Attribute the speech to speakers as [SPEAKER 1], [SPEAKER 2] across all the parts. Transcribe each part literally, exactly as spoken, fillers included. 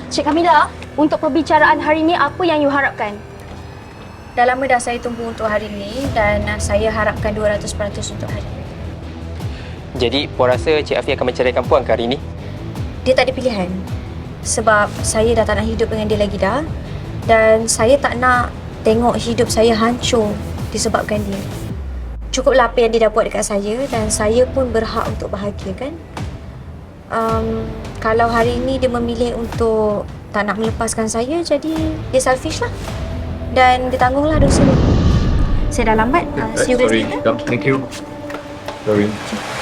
[SPEAKER 1] Cik Kamila, untuk perbicaraan hari ini apa yang you harapkan?
[SPEAKER 2] Dah lama dah saya tunggu untuk hari ni dan saya harapkan dua ratus peratus untuk hari ni.
[SPEAKER 3] Jadi, Puan rasa Cik Afi akan menceraikan Puan ke hari ini?
[SPEAKER 2] Dia tak ada pilihan. Sebab saya dah tak nak hidup dengan dia lagi dah. Dan saya tak nak tengok hidup saya hancur disebabkan dia. Cukuplah apa yang dia dah buat dekat saya dan saya pun berhak untuk bahagia kan. Um, kalau hari ini dia memilih untuk tak nak melepaskan saya, jadi dia selfish lah. Dan dia tanggunglah dosa dia. Saya dah lambat. Uh, see you guys
[SPEAKER 4] Sorry,
[SPEAKER 2] later.
[SPEAKER 4] come. Thank you. Sorry.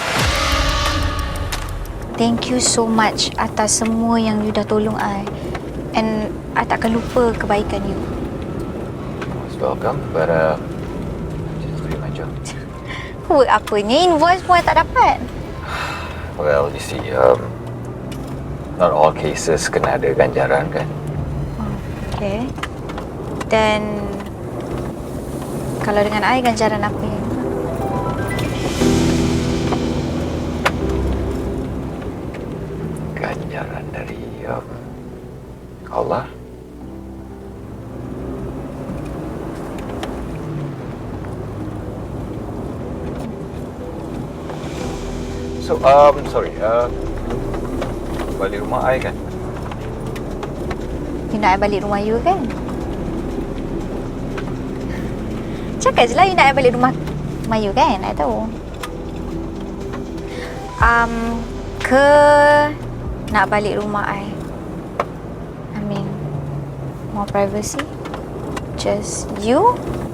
[SPEAKER 2] Thank you so much atas semua yang you dah tolong I. And I takkan lupa kebaikan you.
[SPEAKER 4] Most welcome, but uh, I'm just doing my job.
[SPEAKER 2] Work apanya? Invoice pun I tak dapat.
[SPEAKER 4] Well, you see, um, not all cases kena ada ganjaran kan?
[SPEAKER 2] Okay. Dan kalau dengan I, ganjaran apa yang
[SPEAKER 4] Ganjaran dari um, Allah. So, um, sorry, uh, balik rumah I kan?
[SPEAKER 2] you nak I balik rumah you kan? Cakap je lah you nak I balik rumah rumah you kan? I tahu. Um, ke nak balik rumah I? I mean, more privacy? Just you